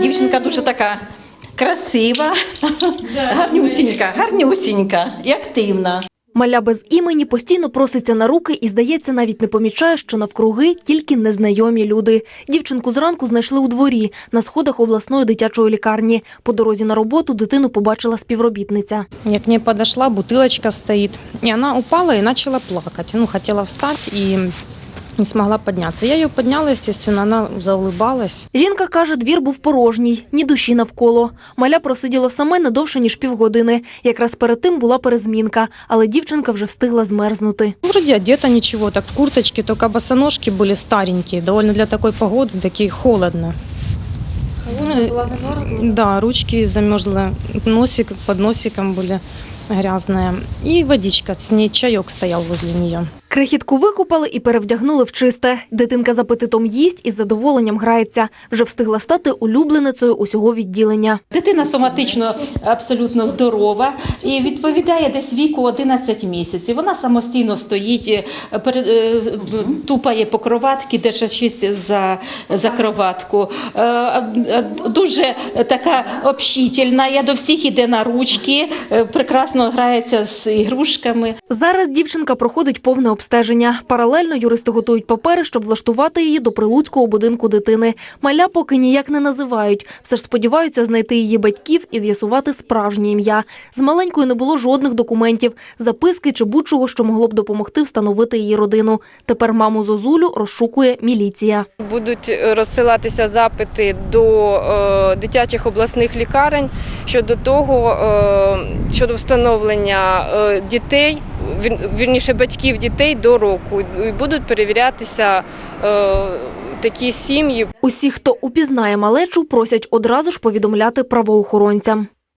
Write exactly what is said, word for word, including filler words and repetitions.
дівчинка дуже така красива, гарнюсінька, гарнюсінька і активна. Маля без імені постійно проситься на руки і, здається, навіть не помічає, що навкруги тільки незнайомі люди. Дівчинку зранку знайшли у дворі, на сходах обласної дитячої лікарні. По дорозі на роботу дитину побачила співробітниця. Я к ней подошла, бутылочка стоит, и она упала и начала плакать. Ну, хотела встать и не смогла подняться. Я ее подняла, естественно, она заулыбалась. Жінка каже, двір був порожній, ні душі навколо. Маля просиділо саме не довше, ніж півгодини. Якраз перед тим була перезмінка, але дівчинка вже встигла змерзнути. Вроде одета ничего, так в курточке, только босоножки были старенькие, довольно для такой погоды, такие холодно. Вона була замерзла? Да, ручки замерзла, носик под носиком были грязные. И водичка, с ней чаек стоял возле нее. Крихітку викупали і перевдягнули в чисте. Дитинка з апетитом їсть і з задоволенням грається. Вже встигла стати улюбленицею усього відділення. Дитина соматично абсолютно здорова і відповідає десь віку одинадцять місяців. Вона самостійно стоїть, тупає по кроватці, держачись за, за кроватку. Дуже така общительна, я до всіх іде на ручки, прекрасно грається з ігрушками. Зараз дівчинка проходить повне обстеження. Паралельно юристи готують папери, щоб влаштувати її до прилуцького будинку дитини. Маля поки ніяк не називають. Все ж сподіваються знайти її батьків і з'ясувати справжнє ім'я. З маленькою не було жодних документів, записки чи будь-чого, що могло б допомогти встановити її родину. Тепер маму Зозулю розшукує міліція. Будуть розсилатися запити до е, дитячих обласних лікарень щодо того, е, щодо встановлення е, дітей, вір, вірніше батьків дітей до року. І будуть перевірятися е, такі сім'ї. Усі, хто упізнає малечу, просять одразу ж повідомляти правоохоронцям.